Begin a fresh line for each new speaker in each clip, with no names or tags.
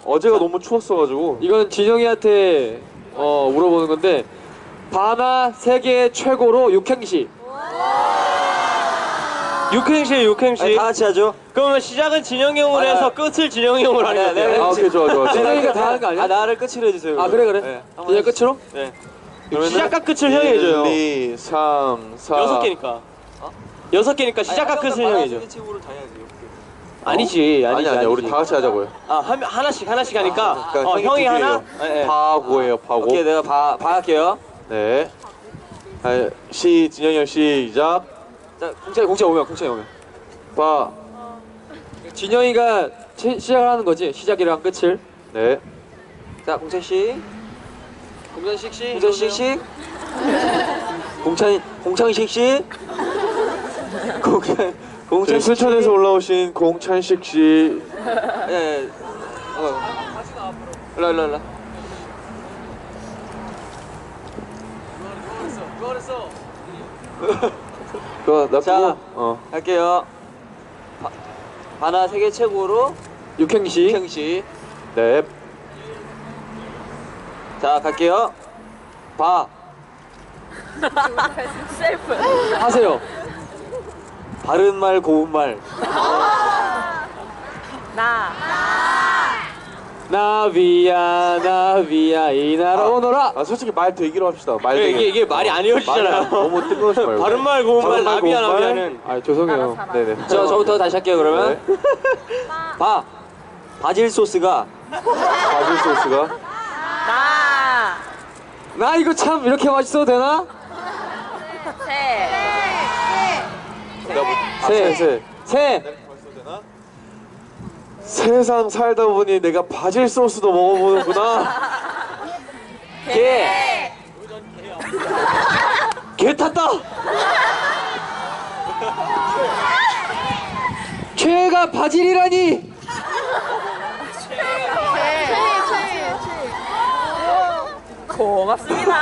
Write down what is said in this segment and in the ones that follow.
어제가 너무 추웠어가지고.
이건 진영이한테 물어보는 건데 바나 세계 최고로 육행시.
육행시. 다 같이 하죠.
그러면 시작은 진영이 형으로 해서 끝을 진영이 형으로 하는 거예요.
아, 오케이, 좋아.
진영이가 다 하는 거 아니야?
나를 끝으로 해주세요.
아, 그래.
네.
그냥 끝으로?
네.
그러면은
시작과 끝을 형이 해줘요.
1, 2, 3, 4.
6개니까. 6개니까 시작과 끝을 형이 해줘.
책으로 다 해야지.
아니지.
아니야. 우리 다 같이 하자고요.
하나씩 하니까
그러니까
형이
두
하나.
개예요.
네.
파고예요, 파고.
오케이, 내가 봐 할게요.
네. 진영이 형 시작.
자, 공채 오면.
파.
진영이가 시작을 하는 거지. 시작이랑 끝을.
네.
자, 공채 씨.
공전식 씨.
공찬식 씨. 공찬식 씨.
순천에서 올라오신 공찬식 씨.
예. 일로.
나
자,
그거.
할게요. 바나 세계 최고로
육행시.
육행시.
네.
자, 갈게요.
하세요.
바른 말 고운 말.
나비야 이 나라 오너라.
솔직히 말 되기로 합시다. 말 되기.
이게 말이 안 이어지잖아요.
너무 뜬금없이 말고.
바른 말 고운 말 나비야는.
아, 죄송해요.
네네.
저부터 다시 할게요, 그러면.
네.
바질 소스가.
바질 소스가.
나 이거 참 이렇게 맛있어도 되나? 새.
세상 살다 보니 내가 바질 소스도 먹어보는구나.
개 탔다.
최애가 바질이라니.
고맙습니다.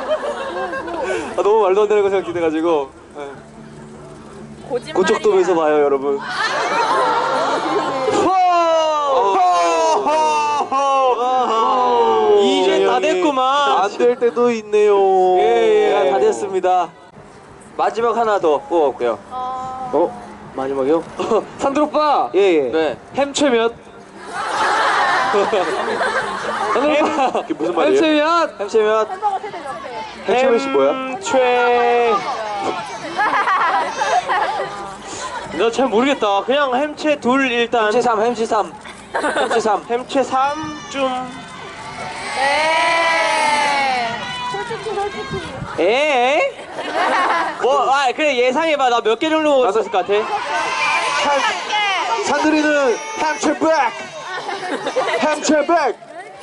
너무 말도 안 되는 거 생각해가지고.
거짓말이야.
고척돔에서 봐요, 여러분.
이제 다 됐구만.
안 될 때도 있네요.
예, 다 됐습니다. 마지막 하나 더 뽑아볼게요.
마지막이요? 산들 오빠.
예.
네.
햄최 몇? 산들 오빠.
그게 무슨 말이에요?
햄최 몇?
햄채면
햄버거 세대 몇 개?
햄채 씨 뭐야?
나 잘 모르겠다. 그냥 햄채 둘 일단.
햄채 3.
햄채 3쯤.
솔직히.
그래 예상해봐. 나 몇 개 정도 먹을 수 있을 것 같아?
산들이는 햄채 백. 햄채 백.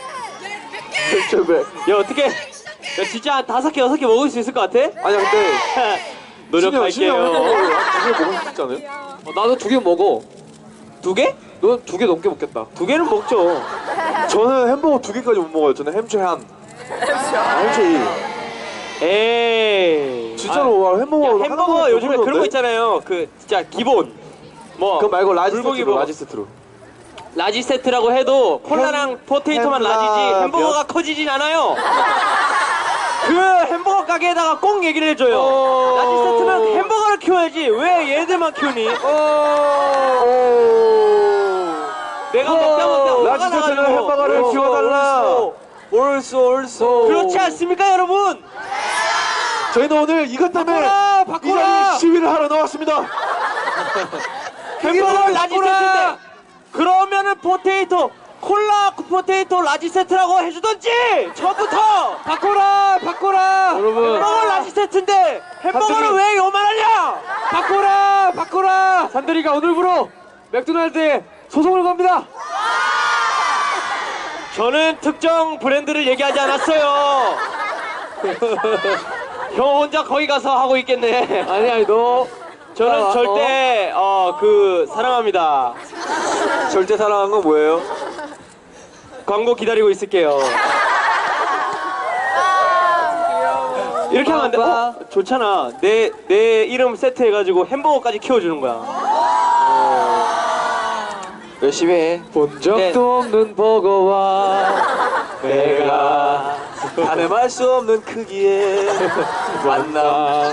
야 어떻게? 야 진짜 한 5개 6개 먹을 수 있을 것 같아?
아니야 근데
노력할게요.
두개 먹을 수 있지 않아요?
나도 2개 먹어.
2개?
너 2개 넘게 먹겠다.
2개는 먹죠.
저는 햄버거 2개까지 못 먹어요. 저는 햄채 한. 햄채 2.
에이.
진짜로 햄버거
햄버거 요즘에 그런 거 있잖아요. 그 진짜 기본. 뭐
그거 말고 라지
불고기
세트로.
먹어.
라지 세트로.
라지 세트라고 해도 콜라랑 포테이토만 라지지 햄버거가 커지진 않아요. 그 햄버거 가게에다가 꼭 얘기를 해줘요. 라지 세트면 햄버거를 키워야지 왜 얘들만 키우니? 내가 먹다
라지 세트는 햄버거를 키워달라.
옳소.
그렇지 않습니까 여러분?
저희는 오늘 이것 때문에
바꿔라!
이 자리에 시위를 하러 나왔습니다.
햄버거 라지 세트인데 그러면은 콜라 포테이토 라지 세트라고 해주던지 처음부터 바꿔라.
여러분.
햄버거 라지 세트인데 햄버거는
산들이-
왜 요만하냐?
바꿔라. 산들이가 오늘부로 맥도날드에 소송을 겁니다.
저는 특정 브랜드를 얘기하지 않았어요. 형 혼자 거기 가서 하고 있겠네.
아니 너.
저는 절대 사랑합니다.
절대 사랑한 건 뭐예요?
광고 기다리고 있을게요. 이렇게 하면 안 돼? 좋잖아. 내 이름 세트해가지고 햄버거까지 키워주는 거야.
열심히 해.
본 적도
네.
없는 버거와
내가 가늠할 수 없는 크기의 만남.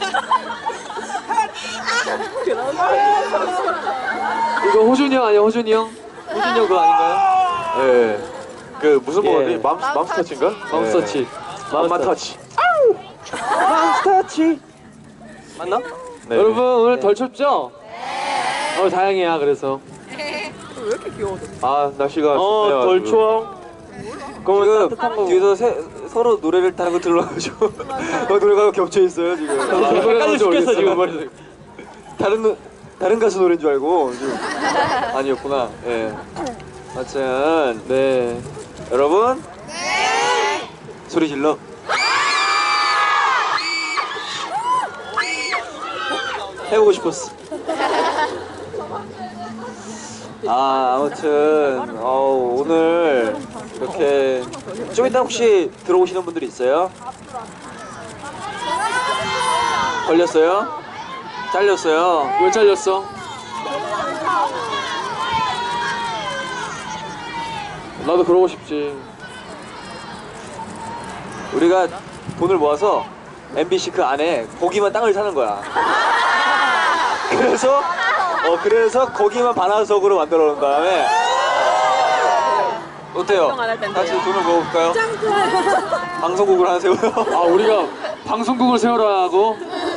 이거 호준이 형 아니야 호준이 형? 호준이 형 그거 아닌가요?
예. 그 무슨
예.
버거지? 맘스터치인가?
맘스터치.
맘스터치.
맘스터치. 맞나?
네.
여러분 오늘 덜 춥죠? 네. 다행이야 그래서.
아 날씨가 춥네요.
덜
지금.
추워. 그럼 지금 뒤에서 서로 노래를 다른 거 들러가지고 노래가 겹쳐 있어요 지금.
헷갈려 죽겠어 지금 머릿속에.
다른 가수 노래인 줄 알고 지금 아니었구나. 예. 아무튼
네.
여러분 소리 질러. 해보고 싶었어. 아무튼 오늘 이렇게 좀 이따 혹시 들어오시는 분들이 있어요? 걸렸어요? 잘렸어요?
왜 잘렸어? 나도 그러고 싶지.
우리가 돈을 모아서 MBC 그 안에 거기만 땅을 사는 거야. 그래서 거기만 반화석으로 만들어 놓은 다음에 어때요? 같이 돈을 모아볼까요? 방송국을 하나 세워요.
아 우리가 방송국을 세우라고?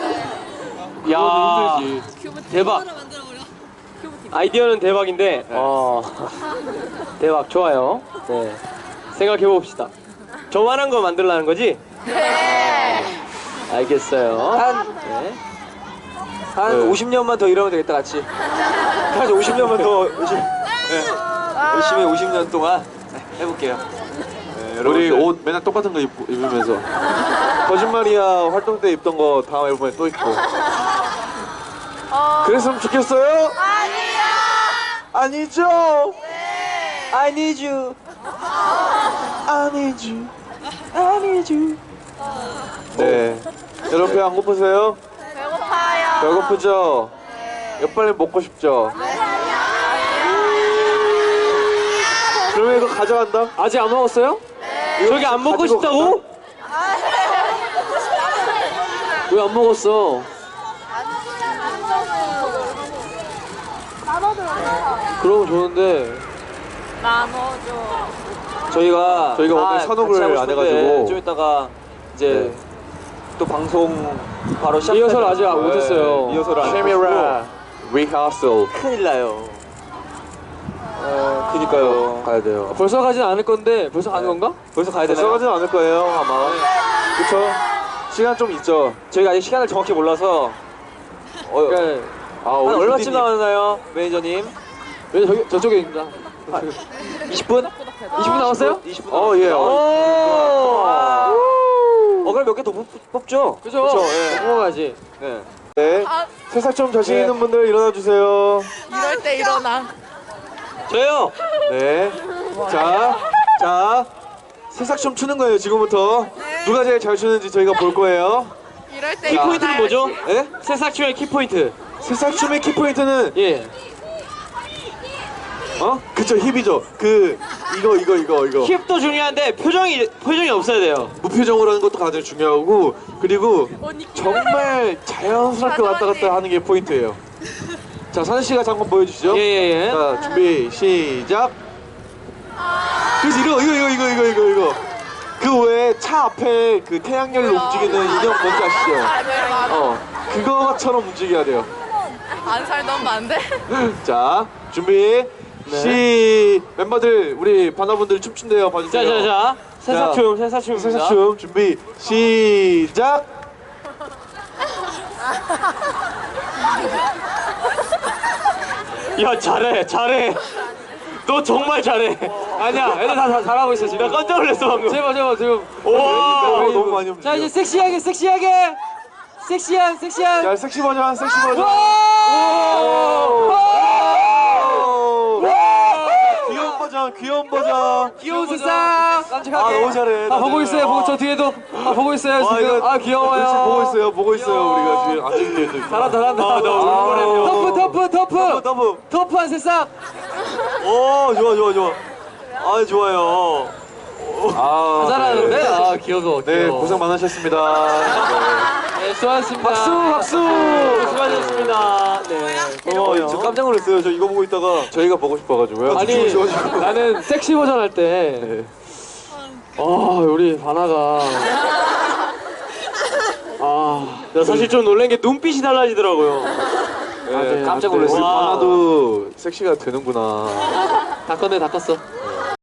야
힘들지.
대박. 아이디어는 대박인데 대박 좋아요. 네 생각해 봅시다. 저만한 거 만들라는 거지? 알겠어요.
한 50년만 더 이러면 되겠다 같이. 한 50년만 더 열심히 50년 동안 해볼게요. 네,
우리
여러분들.
옷 맨날 똑같은 거 입으면서 거짓말이야 활동 때 입던 거 다음 앨범에 또 입고 그랬으면 좋겠어요? 아니죠?
I need you.
I need you. I need you. 네. 여러분 배 안 고프세요?
배고파요.
배고프죠? 이거 빨리 먹고 싶죠? 그러면 이거 가져간다?
아직 안 먹었어요?
저기 안 먹고
가지고
싶다고?
왜 안 먹었어? 그러면 좋은데.
나눠줘.
저희가
오늘
같이
산옥을
하고
안
싶은데
해가지고.
좀 이따가 이제 또 방송 바로 시작.
리허설 아직 못했어요.
리허설 안
카메라 리허설
큰일 나요. 그니까요.
가야 돼요.
벌써 가진 않을 건데 벌써 가는 건가?
벌써 가야 되나요?
들어가진 않을 거예요 아마. 그쵸? 시간 좀 있죠.
저희가 아직 시간을 정확히 몰라서
그러니까
아,
한
우리
얼마쯤
PD님.
남았나요, 매니저님?
왜 저쪽에 있다.
20분?
20분 남았어요?
20분.
예.
그럼 몇 개 더 뽑죠?
그죠?
그쵸, 예.
먹어야지.
네.
네. 새싹 좀 자신 있는 분들 일어나 주세요.
이럴 때 일어나.
저요.
네. 자, 새싹 좀 추는 거예요 지금부터. 누가 제일 잘 추는지 저희가 볼 거예요.
이럴 때
키포인트는 뭐죠?
예?
새싹춤의 키포인트.
새싹 춤의 키포인트는
예.
그쵸 힙이죠. 이거
힙도 중요한데 표정이 없어야 돼요.
무표정으로 하는 것도 가장 중요하고 그리고
언니
정말 자연스럽게 왔다 갔다 하는 게 포인트예요. 자 선우 씨가 잠깐 보여주시죠.
예예예.
자 준비 시작. 그래서 이거 그 외에 차 앞에 그 태양열로 움직이는 인형 뭔지 아시죠? 그거처럼 움직여야 돼요.
안 살던 안 돼?
자 준비 멤버들 우리 바나분들 춤춘대요. 봐주세요.
자자자. 새싹춤입니다.
새싹춤 준비 시작.
야 잘해. 너 정말 잘해.
아니야, 애들 다 잘하고 있어 지금.
나 깜짝 놀랐어 방금.
제발 지금.
와.
너무 많이 움직여.
자 이제 섹시한 섹시한
야 섹시 버전 귀여운 버전 버전, 귀여운 버전.
귀여운 세상. 깜찍하게.
아, 너무 잘해.
아, 보고 있어요. 보고 저 뒤에도. 아, 보고 있어요
와,
지금.
이거
아, 귀여워요.
지금 보고 있어요, 보고 있어요. 우리가 지금 아직 뒤에도.
잘한다.
아, 나 울보래요.
터프.
더블.
터프한 새싹.
오, 좋아. 아, 좋아요. 아,
잘하는데.
네.
아, 귀여워.
네, 고생 많으셨습니다.
네, 수고하셨습니다.
박수.
수고하셨습니다. 네.
고마워요. 저 깜짝 놀랐어요. 저 이거 보고 있다가 저희가 보고 싶어가지고요.
아니,
좋아가지고.
나는 섹시 버전 할 때.
네.
우리 바나가.
나 사실 좀 놀란 게 눈빛이 달라지더라고요.
네,
네,
깜짝
네.
놀랐어요.
와.
하나도 섹시가 되는구나.
다 껐어.